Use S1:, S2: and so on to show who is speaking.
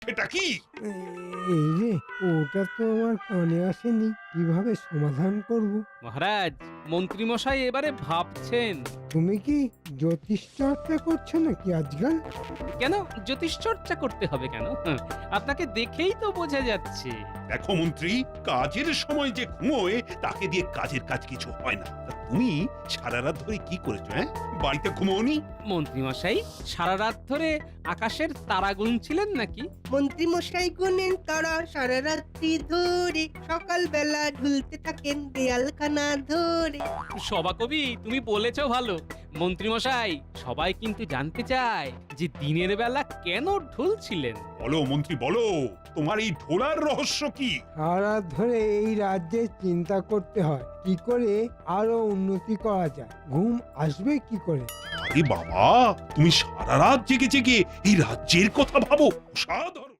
S1: সেটা কি?
S2: এই রে, ওটা তো আমার কানে আসেনি। কিভাবে সমাধান করব?
S3: মহারাজ, মন্ত্রীমশাই এবারে ভাবছেন।
S2: তুমি কি জ্যোতিষ চর্চা করছো নাকি আজকাল?
S3: কেন জ্যোতিষ চর্চা করতে হবে কেন? আপনাকে দেখেই তো বোঝা যাচ্ছে।
S1: দেখো মন্ত্রী, কাজের সময় যে ঘুমোয় তাকে দিয়ে কাজের কাজ কিছু হয় না। তা তুমি সারা রাত ধরে কি করেছো? বাড়িতে ঘুমোওনি?
S3: মন্ত্রীমশাই সারা রাত ধরে আকাশের তারা গুনছিলেন নাকি?
S4: মন্ত্রী মশাই গুনেন তারা সারা রাত্রি ধরে, সকালবেলা ঝুলতে থাকেন দেয়ালখানা ধরে।
S3: সভাকবি, তুমি বলেছো ভালো। মন্ত্রীমশাই, সবাই কিন্তু জানতে চায় যে দিনের বেলা কেন ঢুলছিলেন।
S1: বলো মন্ত্রী, বলো তোমার এই ঢোলার রহস্য কি?
S2: সারা ধরে এই রাজ্যে চিন্তা করতে হয় কি করে আরো উন্নতি করা যায়। ঘুম আসবে কি করে?
S1: আরে বাবা, তুমি সারা রাত জেগে জেগে এই রাজ্যের কথা ভাবো? অসাধারণ।